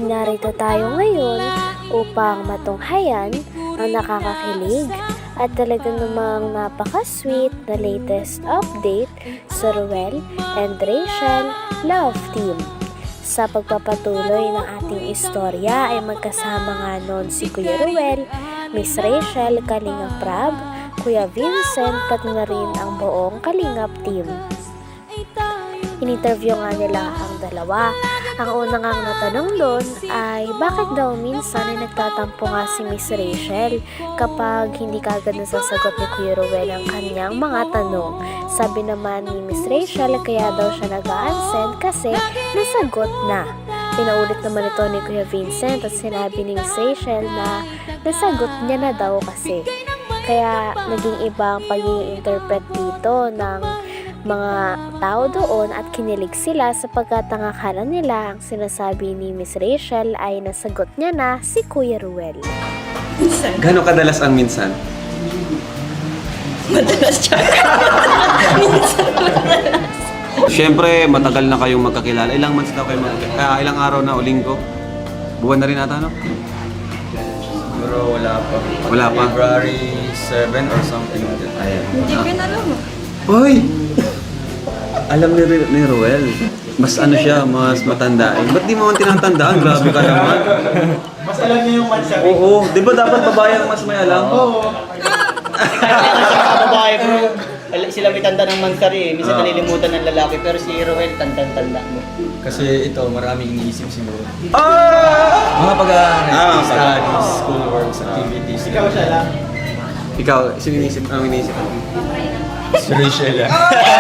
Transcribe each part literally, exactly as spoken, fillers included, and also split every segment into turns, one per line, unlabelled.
narito tayo ngayon upang matunghayan ang nakakakilig at talaga namang napaka-sweet na latest update sa Ruel and Rachel Love Team. Sa pagpapatuloy ng ating istorya ay magkasama nga noon si Kuya Ruel, Miss Rachel, Kalingap Prab, Kuya Vincent, pati na rin ang buong Kalingap Team. In-interview nga nila ang dalawa. Ang unang ang natanong doon ay bakit daw minsan ay nagtatampo nga si Miss Rachel kapag hindi kagad nasasagot ni Kuya Ruel ang kanyang mga tanong. Sabi naman ni Miss Rachel kaya daw siya nag-a-unsend kasi nasagot na. Pinaulit naman ito ni Kuya Vincent at sinabi ni Miss Rachel na nasagot niya na daw kasi. Kaya naging iba ang pag-i-interpret dito ng mga tao doon at kinilig sila sapagkat ang akala nila ang sinasabi ni Miss Rachel ay nasagot niya na si Kuya Ruel.
Gano'ng kadalas ang minsan?
Madalas siya. Minsan madalas.
Siyempre, matagal na kayong magkakilala. Ilang months na kayo magkakilala? Ah, ilang araw na o linggo? Buwan na rin ata, no?
Siguro wala pa.
Wala pa?
February seven or something like that. Ayan.
Hindi ko na alam.
Hoy! Alam ni, ni Ruel. Mas ano siya, mas matanda. Eh, ba't di mo man tinatandaan? Grabe ka naman.
Mas alam niyo yung mansa.
Oo, di ba dapat babae ang mas may alam?
Oo.
Kaya kasi mga babae bro, al- sila may tanda ng mansari eh. Minsan
Ah.
nalilimutan ng lalaki pero si Roel tandang-tanda mo.
Kasi ito, maraming iniisip siguro.
Ah!
Mga pag-aaral,
Ah,
studies, schoolworks, activities.
Ikaw siya lang.
Ikaw, sino inisip? Anong inisip?
Si Rachel. ah.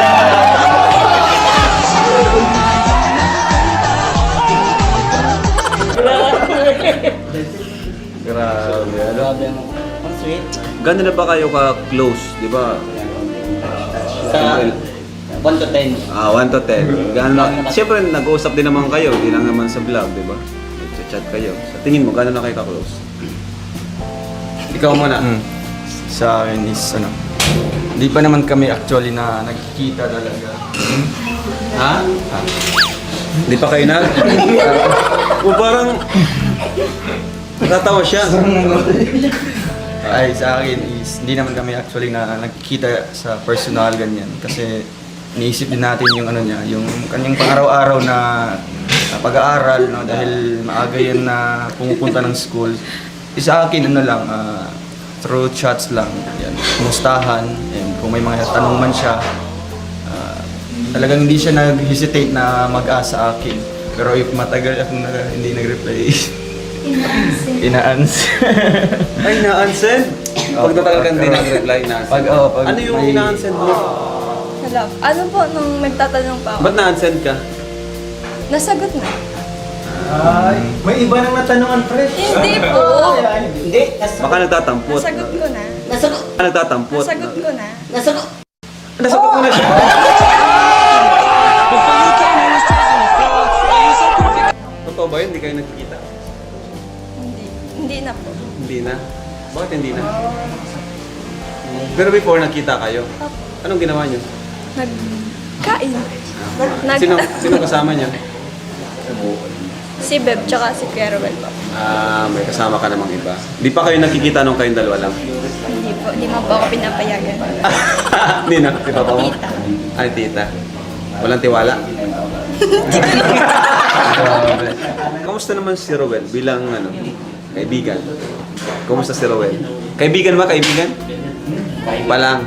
Grabe.
Grabe ang ang sweet.
Gano'n na ba kayo ka-close, di ba?
Sa one to ten.
Ah, one to ten. Gano'n na? Siyempre, nag-uusap din naman kayo. Hindi lang naman sa vlog, di ba? Nag-chat kayo. Sa tingin mo, gano'n na kayo ka-close? Ikaw muna.
Hmm. Sa akin is ano, hindi pa naman kami actually na nagkikita talaga.
Ha? Hindi pa kayo nag? O parang... Natatawa siya.
Ay, sa akin is hindi naman kami actually na nagkikita sa personal ganyan. Kasi iniisip din natin yung ano niya, yung kanyang pang-araw-araw na, na pag-aaral, no? Dahil maaga yan na pumupunta ng school. Eh, sa akin, ano lang, ah, through chats lang, yan, kumustahan, and kung may mga tanong man siya, ah, talagang hindi siya nag-hesitate na mag-ask sa akin. Pero if matagal akong na, hindi nag-reply, ina-answer.
Ay, na-unsend? Pag natagal ka hindi nag-reply, na-unsend.
Pag, oh, pag
Ano yung
may-
na-unsend mo?
Hello. Ano po nung nagtatanong pa ako?
Ba't na-unsend ka?
Nasagot na.
Ay, may iba nang natanungan, pre.
Hindi po.
Hindi, nas-
Baka nagtatampot.
Nasagot ko na.
nasagot.
Baka nagtatampot.
Nasagot ko na.
Nasagot.
Nasagot mo na siya. Totoo ba yun? Hindi kayo nagkikita?
Hindi. Hindi na po.
Hindi na. Bakit hindi na? Pero before nakita kayo, anong ginawa niyo?
Nagkain. Nag-
Sino, sino kasama niyo?
Si Beb tsaka si Kuya Ruel po.
Ah, may kasama ka namang iba. Di pa kayo nakikita nung kayong dalawa lang?
Hindi po. Hindi mo po ako pinapayagan.
Hindi na, di pa pa mo?
Tita.
Ay, tita. Walang tiwala? Kamusta naman si Rowel bilang ano, kaibigan? Kamusta si Rowel? Kaibigan ba? Kaibigan? Pa lang.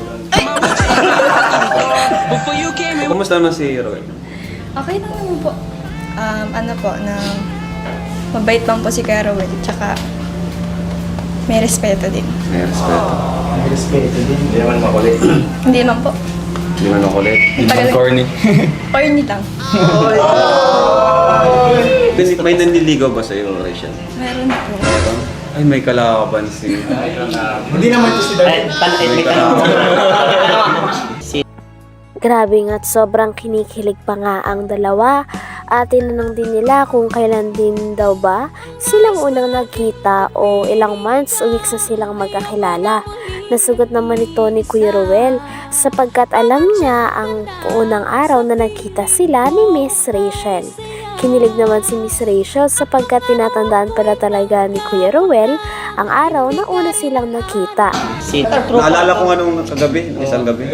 Kamusta naman si Rowel?
Okay lang naman po. Um, ano po, na mabait lang po si Kuya Ruel. Tsaka may respeto din.
May respeto.
May respeto din.
Hindi naman makulit.
Hindi man po.
Hindi man makulit.
Hindi naman corny.
Corny lang.
May- May nanliligaw ba sa'yo, Rachel?
Meron po.
Meron? Ay, may kalaban si...
Hindi naman to si
Ay,
David.
tan- ay, may tanong. Si
Grabe nga't sobrang kinikilig pa nga ang dalawa at tinanong din nila kung kailan din daw ba silang unang nagkita o ilang months o weeks na silang magkakilala. Nasugot naman ito ni Kuya Ruel sapagkat alam niya ang unang araw na nagkita sila ni Miss Rachel. Kinilig naman si Miss Rachel sapagkat tinatandaan pala talaga ni Kuya Ruel ang araw na una silang nakita.
Si
Naalala ko nga nung kagabi, isang gabi.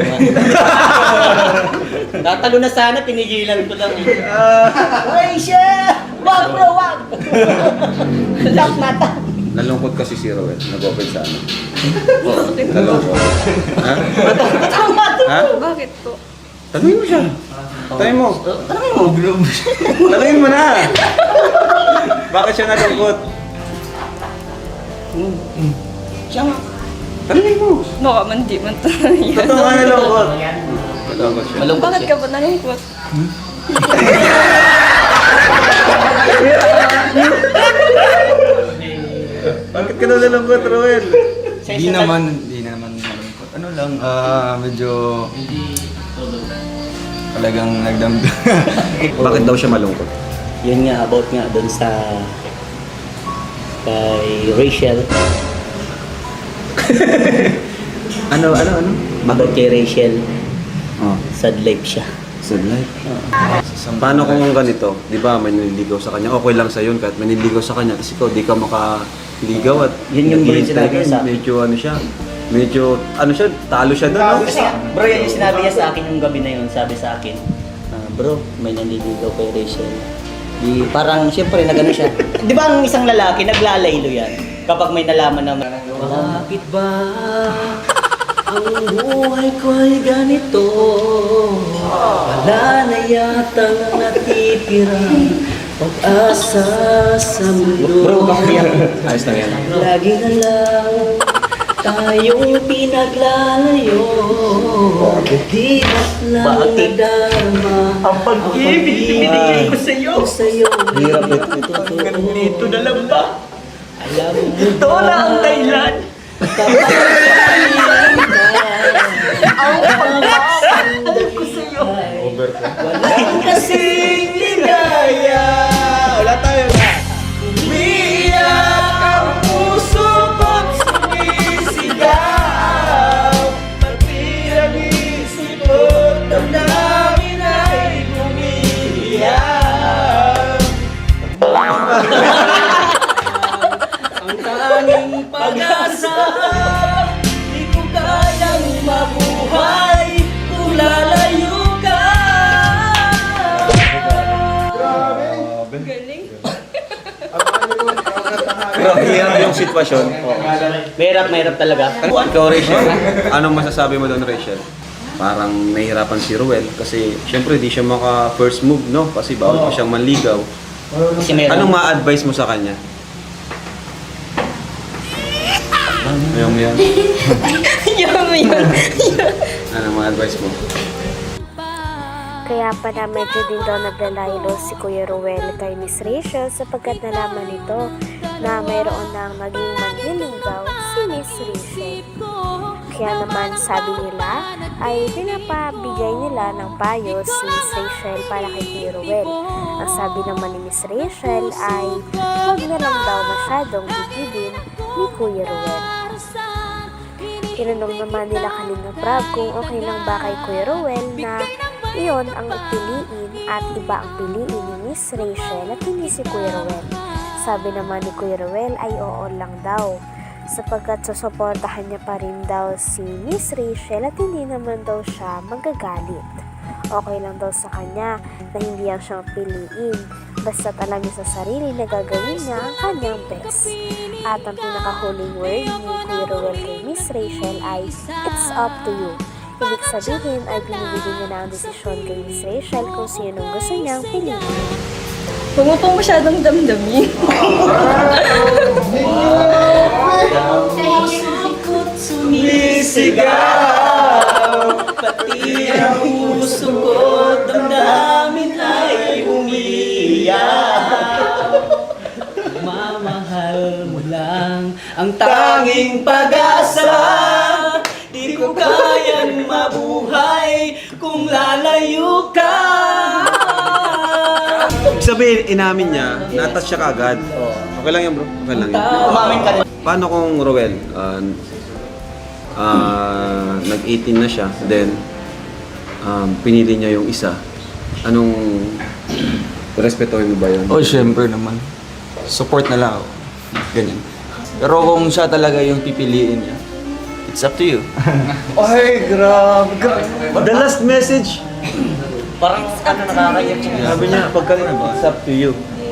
Tatalo na sana, pinigilan ko lang eh. Rachel! Wag bro, wag! Lock mata.
Nalungkot kasi si Roel, nag-open sa ano. Nalungkot. Ha? Ha?
Bakit po?
Tanungin mo siya. Tanungin mo. Tanungin mo. Tanungin mo na. Bakit siya nalungkot?
Siya nga.
Tanungin mo.
Baka man di man tayo.
Totoo nga nalungkot. Nalungkot siya.
Malungkot
Bakit
siya.
ka ba nalungkot?
Bakit ka daw nalungkot, Roel?
Di naman, di na naman malungkot. Ano lang, ah, medyo talagang nagdamdam.
Bakit daw siya malungkot?
Yun nga, about nga doon sa kay Rachel.
Ano, ano, ano?
About kay Rachel,
Oh,
sad life siya.
sad life. Paano kung ganito? Di ba, may nililigaw sa kanya. Okay lang sa yun kahit may nililigaw sa kanya. Kasi ikaw, di ka makaligaw at
Yun yung bro yung
naghihintay
sinabi
ka,
sa akin.
medyo ano siya. Medyo, ano siya, talo siya doon, no?
Kasi bro, yan yung sinabi niya sa akin yung gabi na yun. Sabi sa akin, "Ah, bro, may nanliligaw kay Rachel." Di, parang siyempre nagano siya. Di ba ang isang lalaki, naglalaylo yan? Kapag may nalaman naman. Bakit ba ang buhay ko ay ganito? Wala na yata natitirang pag-asa sa mundo. Bro, bakit
Ayos lang yan.
Lagi na lang tayong pinaglalayo. Di ba't lang nadarama ang pag-ibig binigay ko sa'yo? Sa'yo. Hirap ito. Hanggang dito na lang ba? Alam mo ito na ang dahilan. Ang pagpapandag ko sa'yo. Wala kasing ligaya.
Wala tayo na.
Umiiyak ang puso ko't sumisigaw. Pati ang isip ko't damdamin ay umiiyak. Ang tanging pag-asa, di ko kayang mabuhay kung lalayo ka.
Galing.
Pero hirap yung sitwasyon.
Mahirap, mahirap talaga.
Ikaw, Rachel, anong masasabi mo doon, Rachel? Parang nahihirapan si Ruel kasi syempre di siya maka first move, no? Kasi bawal pa siyang manligaw.
Kasi meron.
Anong ma-advise mo sa kanya? Yung yan.
Yum, yun.
Anong ma-advise mo?
Kaya pala medyo din daw naglalaylo si Kuya Ruel kay Miss Rachel sapagkat nalaman nito na mayroon nang naging manliligaw si Miss Rachel. Kaya naman sabi nila ay pinapabigay nila ng payo si Miss Rachel para kay Kuya Ruel. Ang sabi naman ni Miss Rachel ay huwag na lang daw masyadong bibigin ni Kuya Ruel. Tinanong naman nila kanina Prab kung okay lang ba kay Kuya Ruel na iyon ang piliin at iba ang piliin ni Miss Rachel at hindi si Kuya Ruel. Sabi naman ni Kuya Ruel ay oo lang daw sapagkat susuportahan niya pa rin daw si Miss Rachel at hindi naman daw siya magagalit. Okay lang daw sa kanya na hindi ang siyang piliin basta't alam niya sa sarili na gagawin niya ang kanyang best. At ang pinakahuling word ni Kuya Ruel kay Miss Rachel ay it's up to you. Ibig sabihin ay binibigyan niya na ang desisyon kay Miss Rachel kung sino ang gusto niyang piliin.
Huwag mo pong masyadong damdamin.
Puso't sumisigaw, pati ang puso ko damdamin ay umiiyak. Mamahal mo lang ang tanging pag-asa, di ko kayang mabuhay kung lalayo ka.
Ibig sabihin, inamin niya, na-touch siya kaagad. Okay lang yan, bro. Okay lang yan.
Umamin ka rin.
Paano kung Roel, uh, uh, nag-eighteen na siya, then um, pinili niya yung isa, anong Respetuhin mo ba yun?
Oh, syempre naman. Support na lang ako. Ganyan. Pero kung siya talaga yung pipiliin niya, it's up to you.
Ay, grabe. grabe.
The last message,
Parang ano nakakaiyak siya.
sabi niya, pagka it's up to you.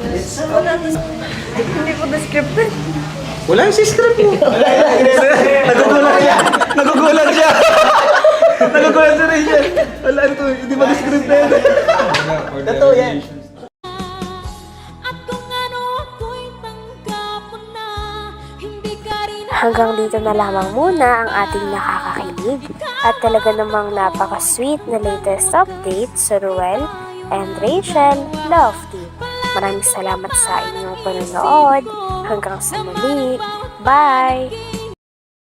Hindi po descripted.
Wala yung si script mo. Nagugulat siya. Nagugulat siya. Nagugulat si Rachel. Wala ito, hindi ba script na yun?
Totoo yan.
Hanggang dito na lamang muna ang ating nakakakilig at talaga namang napaka-sweet na latest update sa Ruel and Rachel Love Team. Maraming salamat sa inyong panonood. Hanggang sa muli. Bye!